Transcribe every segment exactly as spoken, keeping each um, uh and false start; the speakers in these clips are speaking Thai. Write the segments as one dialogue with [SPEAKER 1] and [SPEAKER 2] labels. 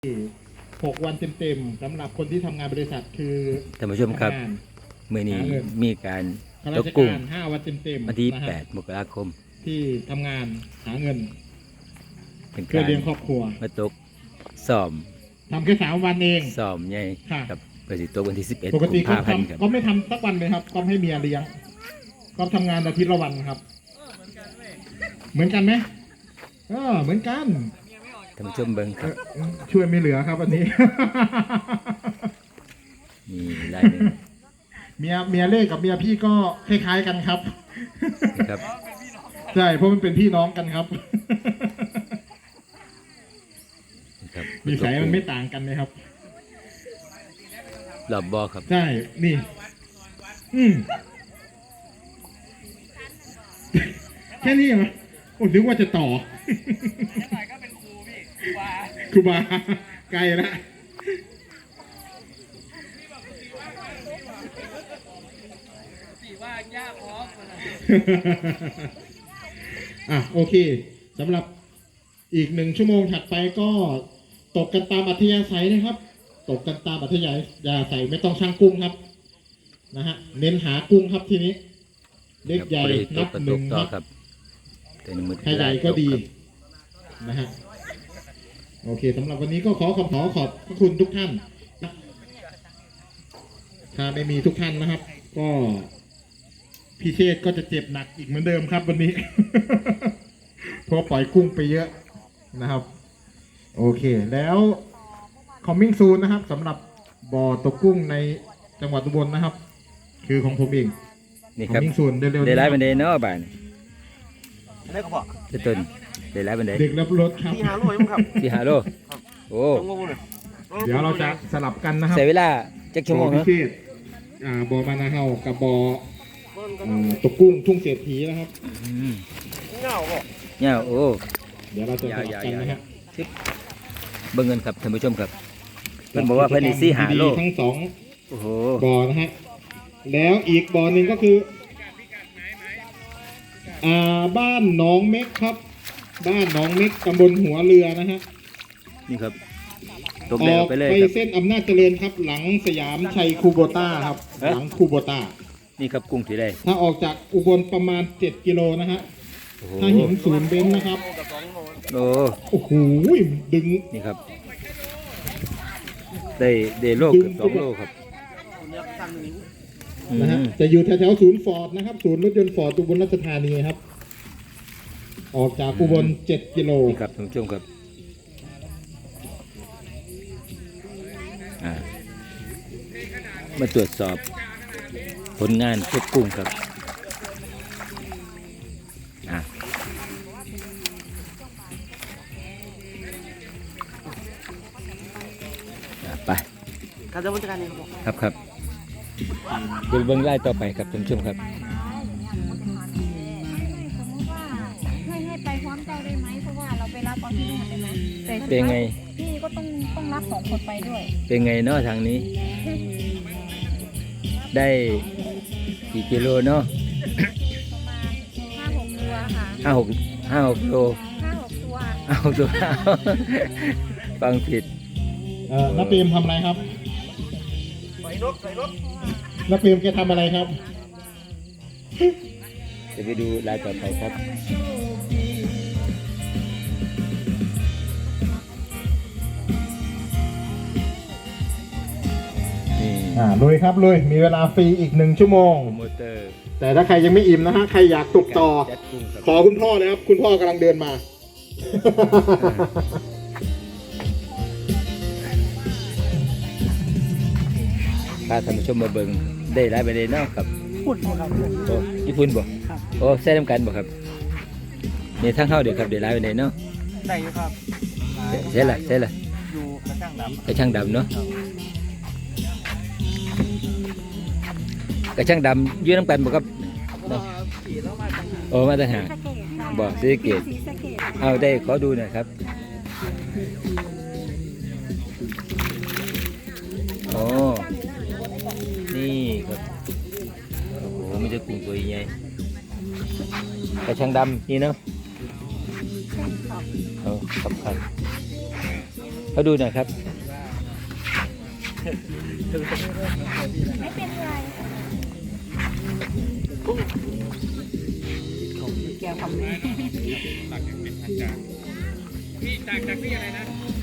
[SPEAKER 1] หกวันเต็มๆสำหรับคนที่ทำงานบริษัทคือ
[SPEAKER 2] ท่านผู้ชมครับเมื่อนี้มีการ
[SPEAKER 1] ตกกุ้งห้าวันเต็มๆ
[SPEAKER 2] วันที่แปดมกราคม
[SPEAKER 1] ที่ทำงานหาเงินเพื่อเลี้ยงครอบครัว
[SPEAKER 2] มาตกสอบ
[SPEAKER 1] ทำแค่สามวันเอง
[SPEAKER 2] สอบใหญ่กับปกติตกวันที่สิบเอ็ด
[SPEAKER 1] ปกติก็ทำก็ไม่ทำสักวันเลยครับก็ให้เมียเลี้ยงก็ทำงานอาทิตย์ละวันครับเหมือนกันไหมเออเหมือนกัน
[SPEAKER 2] ท่านผู้ชมเบิ้งครับ
[SPEAKER 1] ช่วยไม่เหลือครับวันนี้
[SPEAKER 2] มีรายหนึ่ง
[SPEAKER 1] เมียเมียเล่กับเมียพี่ก็คล้ายๆกันครับ
[SPEAKER 2] ครับ
[SPEAKER 1] ใช่เพราะมันเป็นพี่น้องกันครับนิสัยมันไม่ต่างกันเลยครับ
[SPEAKER 2] หลอบบอครับ
[SPEAKER 1] ใช่นี่อืมแค่นี้เหรอโอ้นึกว่าจะต่อครูบาไกลละอ่ะโอเคสำหรับอีกหนึ่งชั่วโมงถัดไปก็ตกกันตามอัธยาศัยนะครับตกกันตามอัธยาศัยไม่ต้องช่างกุ้งครับนะฮะเน้นหากุ้งครับทีนี้เล็กใหญ่นับหนึ่งครับใครใหญ่ก็ดีนะฮะโอเคสำหรับวันนี้ก็ขอขอบขอขอบพระคุณทุกท่านถ้าไม่มีทุกท่านนะครับก็พี่เชษก็จะเจ็บหนักอีกเหมือนเดิมครับวันนี้ เพราะปล่อยกุ้งไปเยอะนะครับโอเคแล้ว coming soon นะครับสำหรับบ่อตกกุ้งในจังหวัดอุบลนะครับคือของผมเอง
[SPEAKER 2] นี่ครับ
[SPEAKER 1] coming soon เร็วๆ
[SPEAKER 2] ได้ไลฟ์บันไดเนาะบ้าน
[SPEAKER 3] ได้ก็บอก
[SPEAKER 2] ต้นได้ไลฟ์บันได
[SPEAKER 1] เด็กรับรถครับ
[SPEAKER 3] ที่ฮาโลมั้งครับ
[SPEAKER 2] ที่ฮาโลโอ้
[SPEAKER 1] เดี๋ยวเราจะสลับกันนะครับ
[SPEAKER 2] ใช้เวลาจักชั่วโมง
[SPEAKER 1] พิเศษอ่าบ่อมานาเฮากับบ่อตกกุ้งทุ่งเศรษฐีนะครับ
[SPEAKER 3] เงาบ่
[SPEAKER 2] เงาโอ้
[SPEAKER 1] เดี๋ยวเราจะสลับกันนะครับ
[SPEAKER 2] เบิ่งเงินครับท่านผู้ชมครับเพิ่นบอกว่าเพิ่นสิหาโล
[SPEAKER 1] ทั้งสอง
[SPEAKER 2] โอ้โห
[SPEAKER 1] บ่อนะฮะแล้วอีกบ่อหนึ่งก็คืออ่าบ้านหนองเม็กครับบ้านหนองเม็กตำบลหัวเรือนะฮะ
[SPEAKER 2] นี่ครับ
[SPEAKER 1] ตกเร็วไปเลยครับไปเส้นอำนาจเจริญครับหลังสยามชัยคูโบต้าครับหลังคูโบต้า
[SPEAKER 2] นี่ครับกุ้งที่ได้
[SPEAKER 1] ถ้าออกจากอุบลประมาณเจ็ดกิโลนะฮะถ้าเห็นศูนย์เบนซ์นะครับ
[SPEAKER 2] โอ้
[SPEAKER 1] โอ้โหดึง
[SPEAKER 2] นี่ครับได้เดโลกสองโลครับ
[SPEAKER 1] นะฮะจะอยู่แถวๆศูนย์ฟอร์ดนะครับศูนย์รถยนต์ฟอร์ดอุบลราชธานีครับออกจากอุบลเจ็ดกิโล
[SPEAKER 2] ครับท่านผู้ชมครับมาตรวจสอบผลงานพวกกุ้งครับไป
[SPEAKER 3] การดำเนินการนี่
[SPEAKER 2] ครับครับดูเบื้องไล่ต่อไปครับท่านผู้ชมครับ
[SPEAKER 4] ให้ให้ไปพร้อมใจได้ไหมเพราะว่าเราไปรับตอนที่นู่นได้ไหม
[SPEAKER 2] เป็นไง
[SPEAKER 4] พี่ก็ต้องต้องรับสองคนไปด้วย
[SPEAKER 2] เป็นไงเนาะทางนี้ได้กี่กิโลเนาะ
[SPEAKER 4] ประมาณห้าหกตัวค่ะ
[SPEAKER 2] ห้าหกห้าหกโล
[SPEAKER 4] ห้าหกตัว
[SPEAKER 2] ห้าหกตัวฟังผิด
[SPEAKER 1] เอ่อน้าเปรมทำอะไรครับ
[SPEAKER 3] ใส่รถใส่รถ
[SPEAKER 1] น้าเปรมแกทำอะไรครับ
[SPEAKER 2] จะไปดูรายต่อไปครับ
[SPEAKER 1] อ่าลุยครับลุยมีเวลาฟรีอีกหนึ่งชั่วโมงแต่ถ้าใครยังไม่อิ่มนะฮะใครอยากตกต่อขอคุณพ่อเลยครับคุณพ่อกำลังเดินมา
[SPEAKER 2] พาท่านผู้ชมมาเบิ่งได้หลายประเด็นเนาะครับ
[SPEAKER 3] ญี่ปุ่นบ่ครับ
[SPEAKER 2] โอ้ญี่ปุ่นบ่โอ้ใส่น้ำกันบ่ครับนี่ทั้งเข้าเดี๋ยวครับได้หลายประเด็นเนาะ
[SPEAKER 3] ได้อยู่ครับ
[SPEAKER 2] ใช่ละใช่ละ
[SPEAKER 3] อยู่กระช่างดำ
[SPEAKER 2] กระช่างดำเนาะกระช่างดำยืนน้ำกันบ่ครับโอ้มาต่างหากบ่ศรีสะเกษเอาได้ขอดูหน่อยครับโอ้นี่ครับโอ้โหมันจะกุ้งตัวใหญ่กระช่างดำนี่เนาะเอาครับครับเขาดูหน่อยครับ
[SPEAKER 4] ไม่เป็นไรแก้วคำนี้
[SPEAKER 3] พี่จากจากพี่อะไรนะ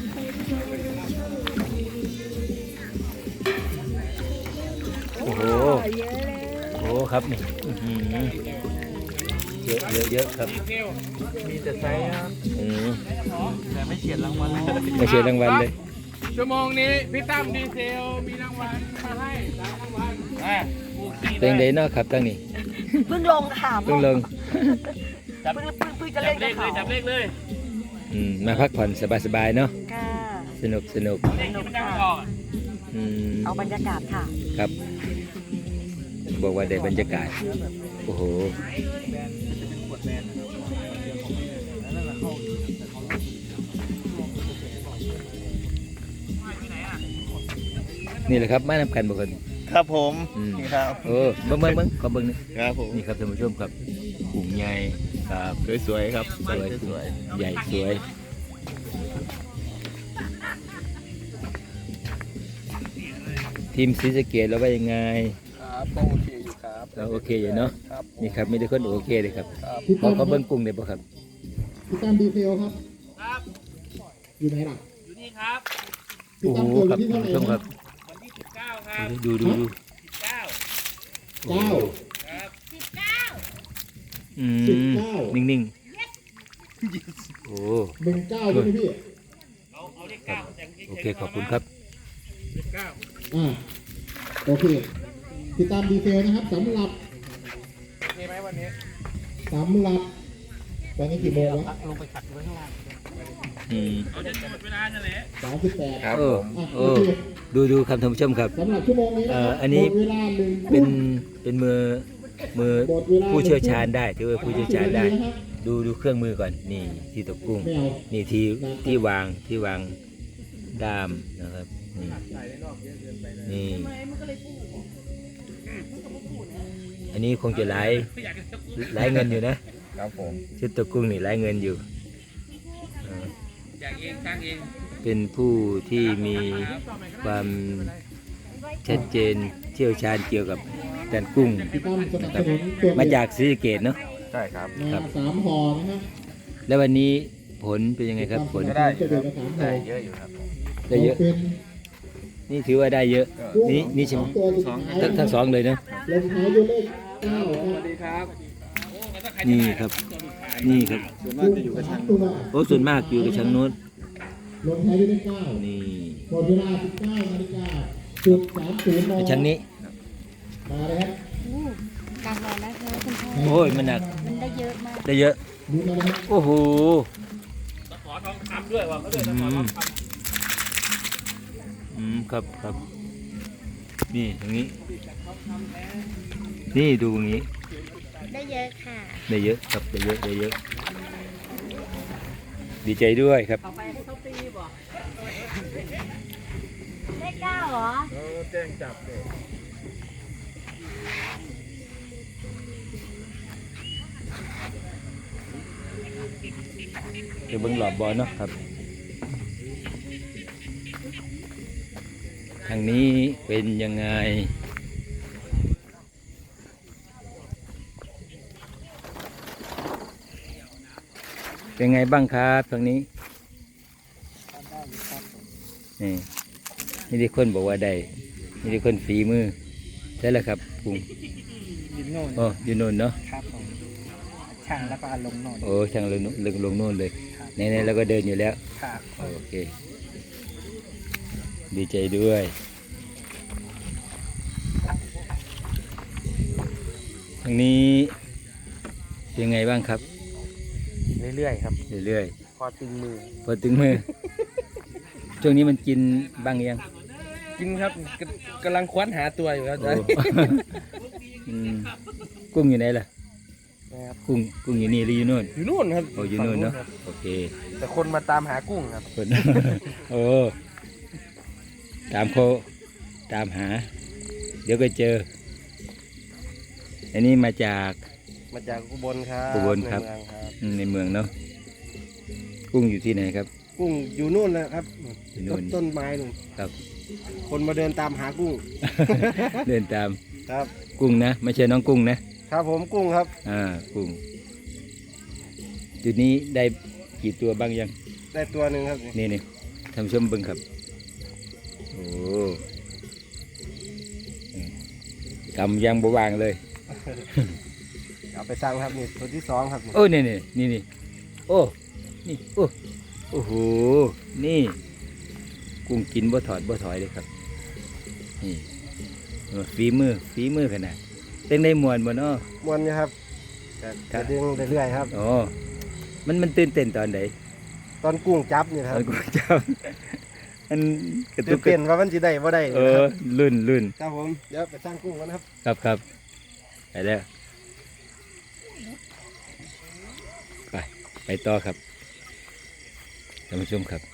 [SPEAKER 2] โอ้โห
[SPEAKER 4] เยอะเลย
[SPEAKER 2] โอ้ครับนี่อื้อหือเยอะเยอะเยอะครับ
[SPEAKER 3] มีแต่ไซส์ครับ
[SPEAKER 2] อืม
[SPEAKER 3] แต่ไม่เฉียดรางวัลเลย
[SPEAKER 2] ไม่เชียร์รางวัลเลย
[SPEAKER 3] ชั่วโมงนี้พี่ตั้มดีเซลมีรางวัลมาให้สามรางวัลอ่ะ
[SPEAKER 2] เป็นไดเนาะครับตั้งนี้
[SPEAKER 4] เพิ่งลงค่ะ
[SPEAKER 2] เพิ่งลง
[SPEAKER 4] เพิ่งเพิ่งเพิ่งจะเล่นกับเขา
[SPEAKER 3] จับเลขเลย
[SPEAKER 2] อืมมาพักผ่อนสบายๆเนาะ
[SPEAKER 4] ค่ะ
[SPEAKER 2] สนุกสนุก
[SPEAKER 3] เลขที่มันตั้งออก
[SPEAKER 2] อืม
[SPEAKER 4] เอาบรรยากาศค่ะ
[SPEAKER 2] ครับ บอกว่าได้บรรยากาศโอ้โหนี่แหละครับมานำกันบอกกัน
[SPEAKER 3] ครับผม
[SPEAKER 2] อืม
[SPEAKER 3] นี่ครับ
[SPEAKER 2] โอ้เบิ้งเบิ้งเบิ้งขอเบิ้งหนี่อย
[SPEAKER 3] ครับผม
[SPEAKER 2] นี่ครับท่านผู้ชมครับกุ้งใหญ่ครับ
[SPEAKER 3] สวยๆครับ
[SPEAKER 2] สวยสวยใหญ่สวย ทีมศรีสะเกษเราว่ายังไง
[SPEAKER 3] ครับก็โอเคอยู่ครับ
[SPEAKER 2] เราโอเคอยู่เนาะ
[SPEAKER 3] ครับ
[SPEAKER 2] นี่ครับไม่ได้คนโอเคเลยครับ
[SPEAKER 1] พี่
[SPEAKER 2] ขอ
[SPEAKER 1] ตั้ม
[SPEAKER 2] ขอเบิ้งกุ้งได้ปะครับ
[SPEAKER 1] พี่ตั้มดีเทลครับ
[SPEAKER 3] ครับ
[SPEAKER 1] อยู่ไหนล่ะ
[SPEAKER 3] อยู่นี่ครับ
[SPEAKER 1] พี่
[SPEAKER 2] โอ้
[SPEAKER 1] ตั้ม
[SPEAKER 2] โห
[SPEAKER 1] เกิด
[SPEAKER 2] ค
[SPEAKER 1] วั
[SPEAKER 2] รั
[SPEAKER 1] น
[SPEAKER 2] บ
[SPEAKER 1] ที่
[SPEAKER 2] ท่า
[SPEAKER 1] เท่าน ไหร่
[SPEAKER 2] ผู้ชมครั
[SPEAKER 1] นะ
[SPEAKER 2] บ
[SPEAKER 3] วันที่สิบเก้าครับ
[SPEAKER 2] ดูดูดู
[SPEAKER 3] เก้า
[SPEAKER 1] เก้า
[SPEAKER 3] ครับ
[SPEAKER 2] อื
[SPEAKER 1] สิบ
[SPEAKER 2] ม
[SPEAKER 1] เก้า
[SPEAKER 2] นิ่งๆโอ้
[SPEAKER 1] หนึ่งเก้าใช่ไหมพี่
[SPEAKER 3] เอาเอาเลขเก้าแต่ง
[SPEAKER 2] โอเคขอบคุณครับ
[SPEAKER 3] เลขเก้า
[SPEAKER 1] อ่าโอเคพี่ตั้มดีเทลนะครับสำหรับ
[SPEAKER 3] โอเคไหมวันนี้
[SPEAKER 1] สำหรับตอนนี้กี่โมงวะ
[SPEAKER 3] ลงไปขัดไว้ข้างล่าง
[SPEAKER 2] อืม
[SPEAKER 3] เอาจะหมดเวลาจะเลย
[SPEAKER 1] สามสิบแปด
[SPEAKER 2] เออ
[SPEAKER 1] อ่ะ
[SPEAKER 2] เอ
[SPEAKER 1] โอ
[SPEAKER 2] อ
[SPEAKER 1] เค
[SPEAKER 2] ดูดูครับท่านผู้ชมครับ
[SPEAKER 1] สำหรับชั่วโมงนี้นะ
[SPEAKER 2] เอ่
[SPEAKER 1] ค
[SPEAKER 2] อ
[SPEAKER 1] รับ
[SPEAKER 2] อันนี้
[SPEAKER 1] หมดเวลาหนึ่ง
[SPEAKER 2] เป็น
[SPEAKER 1] ทุ่ม
[SPEAKER 2] เป็นมือมือ
[SPEAKER 1] หมดเวลา
[SPEAKER 2] ผู้เชี่ยวชาญได้ถือว่าผู้
[SPEAKER 1] หนึ่
[SPEAKER 2] เชี่
[SPEAKER 1] ง
[SPEAKER 2] ยว
[SPEAKER 1] ทุ่ม
[SPEAKER 2] ชาญได้
[SPEAKER 1] สมสิบนทีนะครับ
[SPEAKER 2] ดูดูเครื่องมือก่อนนี่ที่ตกกุ้ง
[SPEAKER 1] ไม่เอา
[SPEAKER 2] นี่ที่ที่วางที่วางด้ามนะครับนี่นี่อันนี้คงจะหลายหลายเงินอยู่นะครับ
[SPEAKER 3] ผม
[SPEAKER 2] ชุดตกกุ้งนี่หลายเงินอยู่เออ
[SPEAKER 3] อยากเองสร้างเอง
[SPEAKER 2] เป็นผู้ที่มีความชัดเจนเชี่ยวชาญเกี่ยวกับการกุ้ง
[SPEAKER 1] พี่ตั้มสนับสนุนตัว
[SPEAKER 2] มาจากศรีสะเกษเนาะ
[SPEAKER 3] ใช่ครับ
[SPEAKER 1] มาสามห่อนะครับ
[SPEAKER 2] แล้ววันนี้ผลเป็นยังไงครับผล
[SPEAKER 1] ก็ได้อยู่ครับได้
[SPEAKER 3] เยอะอยู่ครับ
[SPEAKER 2] ได้เยอะ
[SPEAKER 1] เป็น
[SPEAKER 2] นี่ถือว่าได้เยอะ นี่นี่ใช่ไหม
[SPEAKER 1] ตัวสุดท้าย
[SPEAKER 2] ทั้งทั้งสองเลยเนาะ
[SPEAKER 1] ลงท้ายด้วยเลขเก้า
[SPEAKER 3] สวัสดีครับ
[SPEAKER 2] นี่ครับ นี่ครับ
[SPEAKER 1] ส่วนมากจะอยู่กับทางตัว
[SPEAKER 2] โอ้ส่วนมากอยู่กับช้างนู้น
[SPEAKER 1] ลงท้ายด้วยเลขเก้า
[SPEAKER 2] นี่
[SPEAKER 1] หมดเวลาสิบเก้านาฬิกาจุดสามศูนย์น
[SPEAKER 2] ช้างนี้
[SPEAKER 1] มาเลยครับ
[SPEAKER 4] อู้การรอแล้วเธอคุณพ่อ
[SPEAKER 2] โอ้ยมันหนัก
[SPEAKER 4] มันได้เยอะมาก
[SPEAKER 2] ได้เยอะ
[SPEAKER 1] ดูมานะครับ
[SPEAKER 2] โอ้โห
[SPEAKER 3] ตะขอทองคำด้วยว่ะเขาด้วยตะขอทองคำ
[SPEAKER 2] อืมครับครับ นี่ตรงนี้ นี่ดูตรงนี้
[SPEAKER 4] ได้เยอะค่ะ
[SPEAKER 2] ได้เยอะครับได้เยอะได้เยอะ ดีใจด้วยครับ
[SPEAKER 4] ได้เก้าเหรอ
[SPEAKER 3] เออแจ้งจับเลย
[SPEAKER 2] เดี๋ยวเบิ้งหลอบบอลเนาะครับ ทางนี้เป็นยังไง เป็นไงบ้างครับทางนี้ นี่นี่ที่คนบอกว่าได้นี่ที่คนฝีมือใช่แล้วครับปุง
[SPEAKER 3] ยินโน่น
[SPEAKER 2] โอ้อยู่โน่นเนาะ
[SPEAKER 3] ครับผมช่างแล้วก็ลงโน่น
[SPEAKER 2] โอ้ช่างลงลงลงโน่นเลยในในเราก็เดินอยู่แล้ว
[SPEAKER 3] ครับ
[SPEAKER 2] โอเค ดีใจด้วยทางนี้เป็นไงบ้างครับ
[SPEAKER 3] เรื่อยๆครับ
[SPEAKER 2] เรื่อย
[SPEAKER 3] พอตึงมือ
[SPEAKER 2] ๆพอถึงมือ ช่วงนี้มันกินบ้างยัง
[SPEAKER 3] กินครับกกำลังคว้นหาตัวอยู่ครับ
[SPEAKER 2] โอ้ อืมกุ้งอยู่ไหนล่ะ
[SPEAKER 3] นะครับ
[SPEAKER 2] กุ้งกุ้งอยู่นี่หรืออยู่โน่น
[SPEAKER 3] อยู่นู่นครับ
[SPEAKER 2] โอ้อยู่โน่นเนาะ
[SPEAKER 3] ฝั่งครับ
[SPEAKER 2] โอเค
[SPEAKER 3] แต่คนมาตามหากุ้งครับ
[SPEAKER 2] คน โอ้ตามโคตามหา เดี๋ยวก็เจอ อันนี้มาจาก
[SPEAKER 3] มาจากอุบลครับ
[SPEAKER 2] อุบลครับ
[SPEAKER 3] ในเมืองครับ
[SPEAKER 2] อืมในเมืองเนาะกุ้งอยู่ที่ไหนครับ
[SPEAKER 3] อ
[SPEAKER 5] กุ้งอยู่นู่นเลยครับ
[SPEAKER 2] อยู่นู่
[SPEAKER 5] ต้
[SPEAKER 2] น
[SPEAKER 5] นต้นไม้นู่น
[SPEAKER 2] ครับ
[SPEAKER 5] คนมาเดินตามหากุ้ง
[SPEAKER 2] เดินตาม
[SPEAKER 5] ครับ
[SPEAKER 2] กุ้งนะไม่ใช่น้องกุ้งนะครับ
[SPEAKER 5] ผมกุ้งครับ
[SPEAKER 2] อ่ากุ้งจุดนี้ได้กี่ตัวบ้างยัง
[SPEAKER 5] ได้ตัวหนึ่งครับ
[SPEAKER 2] นี่นี่ทำชมเบิ่งครับโอ้กำยังบวางเลย
[SPEAKER 5] เอาไปสั่งครับนี่ตัวที่สองครับนี่
[SPEAKER 2] โอ้นี่นี่นี่นี่โอ้นี่โอ้โอ้โหนี่กุ้งกินบ่ถอดบ่ถอยเลยครับนี่ฝีมือฝีมือขนาดเต้นได้มวนบ่เนาะ
[SPEAKER 5] มวนนะครับแต่
[SPEAKER 2] ครั
[SPEAKER 5] จะ
[SPEAKER 2] บ
[SPEAKER 5] ดึงเรื่อยๆครับ
[SPEAKER 2] อ๋อมันมันตื่นเต้นตอนไหน
[SPEAKER 5] ตอนกุ้งจับนี่ค
[SPEAKER 2] ต
[SPEAKER 5] รับ
[SPEAKER 2] อนกูจำมันกระตุ
[SPEAKER 5] ตื่
[SPEAKER 2] ก
[SPEAKER 5] น
[SPEAKER 2] กระ
[SPEAKER 5] เต้นว่ามันจะได้บ่ได้
[SPEAKER 2] เอ
[SPEAKER 5] นะค
[SPEAKER 2] อ
[SPEAKER 5] รับ
[SPEAKER 2] ลื่นลื่น
[SPEAKER 5] ครับผมเดี๋ยวไปสร้างกุ้งกันนะครับ
[SPEAKER 2] ครับครับไปแล้วไปไปต่อครับท่านผู้ชมครับ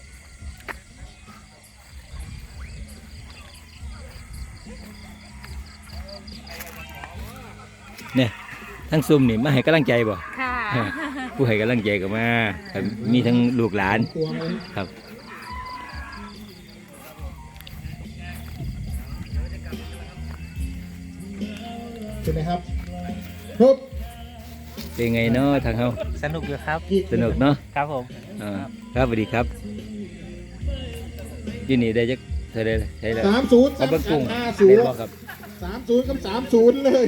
[SPEAKER 2] เนี่ยทั้งซุ่มนี่มาให้กำลังใจบ่
[SPEAKER 4] ค่ะ
[SPEAKER 2] ผู้ให้กำลังใจก็มาครับมีทั้งลูกหลาน
[SPEAKER 1] ตัวเลย
[SPEAKER 2] ครับ
[SPEAKER 1] ใช่ไหมครับครับ
[SPEAKER 2] เป็นไงเนาะทางเฮา
[SPEAKER 3] สนุกอยู่ครับ
[SPEAKER 2] สนุกเนาะ
[SPEAKER 3] ครับผม
[SPEAKER 2] อ่าครับสวัสดีครับที่นี่ได้จักเท่าไรใช่แล้ว
[SPEAKER 1] สามศูนย์
[SPEAKER 2] เอาเบิ้งกุ้ง
[SPEAKER 1] ห้าศูน
[SPEAKER 2] เล่น
[SPEAKER 1] ย์
[SPEAKER 2] บ่ครับ
[SPEAKER 1] สามศูนย์กับสามศูนย์เลย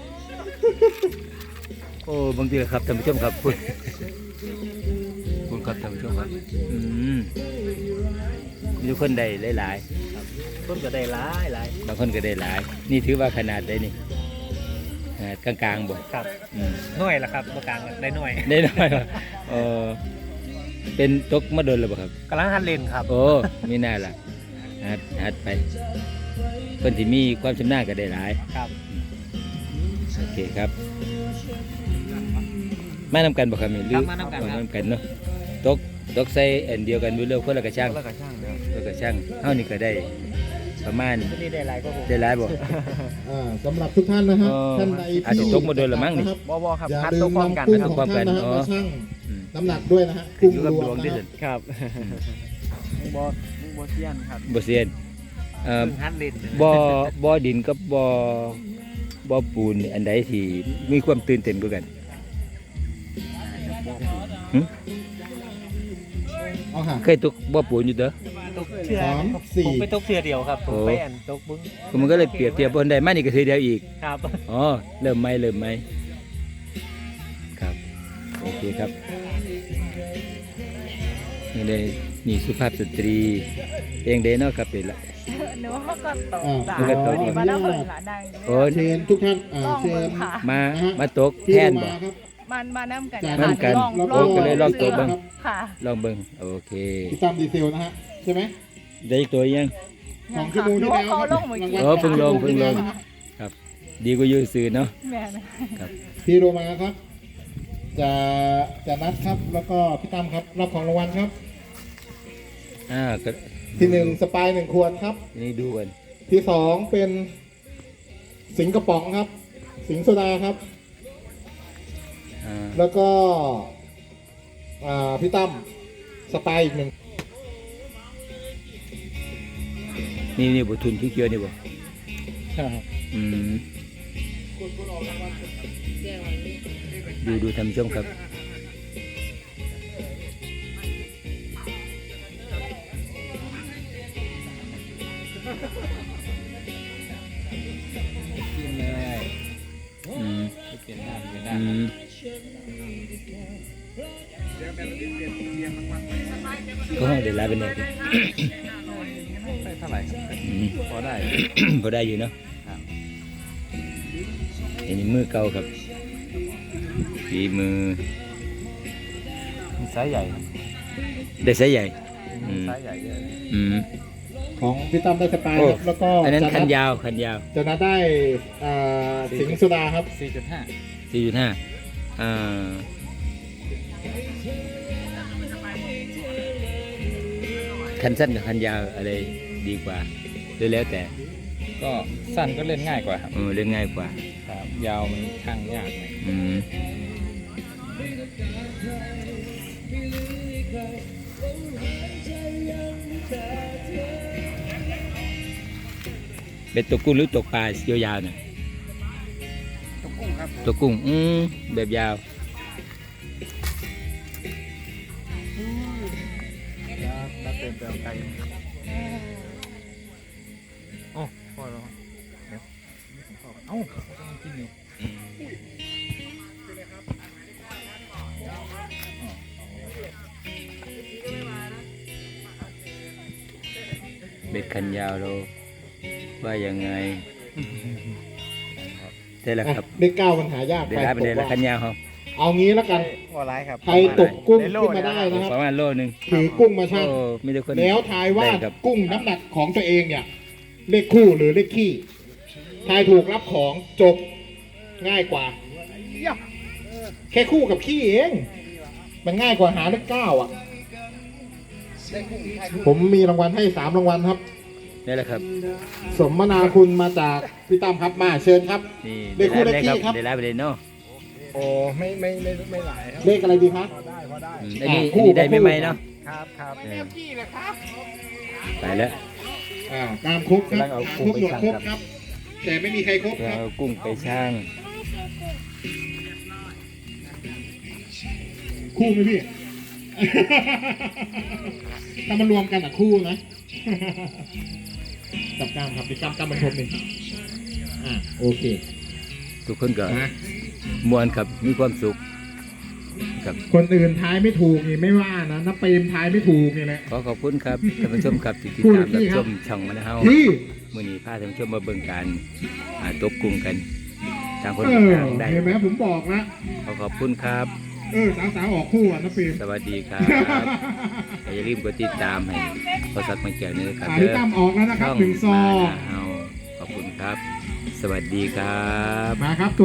[SPEAKER 2] โอ้บางทีครับท่านผู้ชมครับคุณคุณครับท่านผู้ชมครับอืมมีคนได้หลายๆ
[SPEAKER 3] ต้นก็ได้หลายหลาย
[SPEAKER 2] บางคนก็ได้หลาย นี่ถือว่าขนาดได้นี่ขนาดกลางๆบ่
[SPEAKER 3] ครับ
[SPEAKER 2] อืม
[SPEAKER 3] หน่วยละครับประกลางได้หน่วย
[SPEAKER 2] ได้น้อยบ่เออเป็นตกมาโดนแล้วบ่ครับ
[SPEAKER 3] กำลังหัดเล่นครับ
[SPEAKER 2] โอ้มีหน้าล่ะหัดหัดไปเพิ่นที่มีความชำนาญก็ได้หลาย
[SPEAKER 3] ครับ
[SPEAKER 2] โอเคครับ มานำกันบ่ครับนี่หรือ
[SPEAKER 3] ครับมานำกันครับ
[SPEAKER 2] มานำกันเนาะตกตกใส่อันเดียวกันวิเรื่องคนละกระช่าง
[SPEAKER 3] แล้วก็ช่างเดียว
[SPEAKER 2] คนละกระช่างเฮานี่ก็ได้ประมาณ
[SPEAKER 3] ตัวนี้ได้หลายก็ผม
[SPEAKER 2] ได้หลายบ่
[SPEAKER 1] อ่าสำหรับทุกท่านนะครับ
[SPEAKER 2] อ๋อ
[SPEAKER 1] ท่านใด
[SPEAKER 2] อาจ
[SPEAKER 1] ที่
[SPEAKER 2] จะตกมาโดนละมั้งนี่
[SPEAKER 1] ครับ
[SPEAKER 3] บอบอครับ
[SPEAKER 1] อย่า
[SPEAKER 3] คัด
[SPEAKER 1] ลื
[SPEAKER 3] ตัว
[SPEAKER 1] ม
[SPEAKER 3] พร้อม
[SPEAKER 1] นำ
[SPEAKER 3] กัน
[SPEAKER 1] กุ้ง
[SPEAKER 3] นะค
[SPEAKER 1] ข
[SPEAKER 3] รับ
[SPEAKER 1] องท่านนะครับ
[SPEAKER 2] อ๋อ
[SPEAKER 1] มาชั่ง
[SPEAKER 2] อืม
[SPEAKER 1] น้ำหนักด้วยนะฮะ
[SPEAKER 2] ขึ้
[SPEAKER 1] กุ้
[SPEAKER 2] น
[SPEAKER 1] ง
[SPEAKER 2] อยู่กับ
[SPEAKER 1] ร
[SPEAKER 2] ด
[SPEAKER 1] ว
[SPEAKER 2] ว
[SPEAKER 1] ม
[SPEAKER 2] ง
[SPEAKER 1] นะ
[SPEAKER 2] ที่
[SPEAKER 1] ค
[SPEAKER 2] สุ
[SPEAKER 1] รั
[SPEAKER 2] ด
[SPEAKER 1] บ
[SPEAKER 3] ครับบอบอบอเซียนครับ
[SPEAKER 2] บ่เซียนเอ่อ
[SPEAKER 3] เพิ่งหัดเล่น
[SPEAKER 2] บ่บ่ดินกับบ่บ่ปูนนี่อันใดที่มีความตื่นเต้นกว่ากันหึ
[SPEAKER 1] เอาค่ะ
[SPEAKER 2] เคยตกบ่ปูนอยู่เด้อ
[SPEAKER 3] ตกเชือ
[SPEAKER 1] สามสี่
[SPEAKER 3] ผมไปตกเชือเดียวครับผม
[SPEAKER 2] โอ้
[SPEAKER 3] ไปอันตกบึ้ง
[SPEAKER 2] ก็มันก็เลยเปรียบเทียบบ่ได้มานี่ก็คือเดียวอีก
[SPEAKER 3] ครับ
[SPEAKER 2] อ๋อเริ่มไหมเริ่มไหมครับโอเคครับนี่เลยนี่สุภาพสตรีเองเดเนาะครับเป็นละ
[SPEAKER 4] หนูก็ตก
[SPEAKER 1] อ่า
[SPEAKER 2] หนูก็ตก
[SPEAKER 4] มาแล้วเพิ่นละดัง
[SPEAKER 2] โอ้
[SPEAKER 1] เชิญทุกท่านอ่า
[SPEAKER 4] ลอง
[SPEAKER 1] เชิ
[SPEAKER 4] เบิ่
[SPEAKER 1] ญ
[SPEAKER 4] งค่ะ
[SPEAKER 2] มา
[SPEAKER 1] นะฮะ
[SPEAKER 2] มาตก
[SPEAKER 1] ที่
[SPEAKER 2] แทน
[SPEAKER 1] มา
[SPEAKER 2] บ่
[SPEAKER 1] ครับ
[SPEAKER 4] มันมาน้ำกัน
[SPEAKER 1] จาก
[SPEAKER 2] น้ำกัน
[SPEAKER 4] ลอง
[SPEAKER 1] เรา
[SPEAKER 4] ลอง
[SPEAKER 2] ก็เลยลองตัวเบิ่ง
[SPEAKER 4] ค่ะ
[SPEAKER 2] ลองเบิ่งโอเค
[SPEAKER 1] พี่ตั้มดีเซลนะฮะใช่ไหม
[SPEAKER 2] ได้อีกตัวยัง
[SPEAKER 1] สองชั่วโมงที่แล้ว
[SPEAKER 4] เขาลงเมื่อกี้
[SPEAKER 2] โอ้เพิ่งลงเพิ่งลง ครับ ดีกว่าอยู่ซื่อเนาะ
[SPEAKER 4] แม่นะ
[SPEAKER 2] ครับ
[SPEAKER 1] พี่โรมาครับ จะจะนัดครับ แล้วก็พี่ตั้มครับรับของรางวัลครับ
[SPEAKER 2] อ่าก็
[SPEAKER 1] ที่หนึ่งสปายหนึ่งขวดครับ
[SPEAKER 2] นี่ดูกัน
[SPEAKER 1] ที่สองเป็นสิงกระป๋องครับ สิงโซดาครับ
[SPEAKER 2] อ่า
[SPEAKER 1] แล้วก็อ่าพี่ตั้มสปายอีกหนึ่ง
[SPEAKER 2] นี่นี่บุทุนที่เกี่ยวนี่บ่อืมดูดูทำช่วงครับอืมอืมก็ห้องเดี๋ยวลาเป็นไงดิ
[SPEAKER 3] เท่าไหร่ครับ
[SPEAKER 2] อืม
[SPEAKER 3] พอได้
[SPEAKER 2] พอได้อยู่เนาะอันนี้มือเก่าครับฝีมือ
[SPEAKER 3] ไซส์ใหญ่ครับ
[SPEAKER 2] ได้ไซส์ใหญ่อืม
[SPEAKER 3] ไซส์ใหญ่เยอะ
[SPEAKER 2] อืม
[SPEAKER 1] ของพี่ตั้มได้สปาย
[SPEAKER 2] โอ้
[SPEAKER 1] ครับแล้วก็
[SPEAKER 2] อันนั้น
[SPEAKER 1] จะ
[SPEAKER 2] คัน
[SPEAKER 1] ด
[SPEAKER 2] ยาวคันยาว
[SPEAKER 1] จะนัดได้อ่าสิงโซดาครับ
[SPEAKER 3] สี่จุดห้า
[SPEAKER 2] สี่จุดห้าอ่าคันสั้นกับคันยาวอะไรดีกว่าหรือแล้วแต่
[SPEAKER 3] ก็สั้นก็เล่นง่ายกว่าครับ
[SPEAKER 2] เออเล่นง่ายกว่า
[SPEAKER 3] ครับยาวมันข้างยากหน่อย
[SPEAKER 2] อืมเป็นตัวกุ้งหรือตัวปลายาวๆน่ะ
[SPEAKER 5] ตัวกุ้งครับ
[SPEAKER 2] ตัวกุ้งอืมแบบยาว
[SPEAKER 5] ถ้าเติมเติมไก่
[SPEAKER 3] โอ้พอแล้วเดี๋ยวเอ้าต้องกินอยู่
[SPEAKER 2] เบ็ดคันยาวเราว่ายังไงได้แล้วครับ
[SPEAKER 1] เลขเก้ามันหายาก
[SPEAKER 2] ได้แล้วเป็นได้แล้วคันยาวครับ
[SPEAKER 1] เอางี้แล้วกัน
[SPEAKER 5] ว่าร้ายครับ
[SPEAKER 1] ใครตกกุ้งขึ้นมาได้นะครับ
[SPEAKER 2] ประมาณโลนึง
[SPEAKER 1] ถือกุ้งมาชั่ง
[SPEAKER 2] โอ้มีแต่คน
[SPEAKER 1] แล้วทายว่า
[SPEAKER 2] ได้ครับ
[SPEAKER 1] กุ้งน้ำหนักของตัวเองเนี่ย เลขคู่หรือเลขขี้ทายถูกรับของจบง่ายกว่า แค่คู่กับขี้เอง มันง่ายกว่าหาเลขเก้าอ่ะ ผมมีรางวัลให้สามรางวัลครับ
[SPEAKER 2] ได้แล้วครับ
[SPEAKER 1] สมนาคุณมาจากพี่ตั้มครับมาเชิญครับ
[SPEAKER 2] นี่
[SPEAKER 1] ได้คู่
[SPEAKER 2] ได้
[SPEAKER 1] ได้
[SPEAKER 2] แล้ว
[SPEAKER 1] ขี้ครับ
[SPEAKER 2] ได้แล้วไปเลยเนาะ
[SPEAKER 5] โอ้ไม่ไม่ไม่ไม่หลายครับ
[SPEAKER 1] เลขอะไรดีคะ
[SPEAKER 5] พอได้พอได้
[SPEAKER 2] อืมอันนี้
[SPEAKER 1] อ่าคู่
[SPEAKER 2] อันนี้ได้
[SPEAKER 1] คู่
[SPEAKER 2] ไม่ไหมเนาะ
[SPEAKER 5] ครับครับ
[SPEAKER 2] เออไปแล้ว
[SPEAKER 1] อ่าตามครบครับ
[SPEAKER 5] กำลังเอา
[SPEAKER 1] ตาม
[SPEAKER 5] กุ้
[SPEAKER 1] ครง บ
[SPEAKER 5] ไป
[SPEAKER 1] หมด
[SPEAKER 5] ชั่ง
[SPEAKER 1] ครบ
[SPEAKER 5] ครับ
[SPEAKER 1] ครับ แต่ไม่มีใครครบ
[SPEAKER 2] จะ
[SPEAKER 1] ครับ
[SPEAKER 2] เอากุ้งไปช่าง
[SPEAKER 1] คู่ไหมพี่ ถ้ามารวมกันอ่ะคู่นะจับกล้ามครับดิกล้ามกล้ามบรรทมหนึ่งอ่าโอเค
[SPEAKER 2] ทุกคนก็
[SPEAKER 1] นะ
[SPEAKER 2] มวนครับมีความสุขครับ
[SPEAKER 1] คนอื่นทายไม่ถูกนี่ไม่ว่านะน้าเปรมทายไม่ถูกนี่แหละ
[SPEAKER 2] ขอขอบคุณครับท่านผู้ชมครับที่ติด
[SPEAKER 1] พูด
[SPEAKER 2] ตาม
[SPEAKER 1] ที่
[SPEAKER 2] รับ
[SPEAKER 1] ค
[SPEAKER 2] ช
[SPEAKER 1] รับ
[SPEAKER 2] มช่องมันเฮา
[SPEAKER 1] พี่
[SPEAKER 2] มื้อนี้พาท่านผู้ชมมาเบิ่งการอ่าตกกุ้งกันต่างคน
[SPEAKER 1] เออ
[SPEAKER 2] ต่างได้
[SPEAKER 1] เห็นไหมผมบอกนะ
[SPEAKER 2] ขอขอบคุณครับ
[SPEAKER 1] เออสาวๆออกคู่อ่ะน้าเปรม
[SPEAKER 2] สวัสดีครับอย่าลืมกดติดตามให้พอสักมาเกี่ยวนี้ครับ
[SPEAKER 1] สาย
[SPEAKER 2] เด้อ
[SPEAKER 1] ตั้มออกแล้วนะครับ
[SPEAKER 2] ช่อง
[SPEAKER 1] หนึ่งซอ
[SPEAKER 2] มานาเฮาขอบคุณครับ สวัสดีครับ
[SPEAKER 1] มาครับ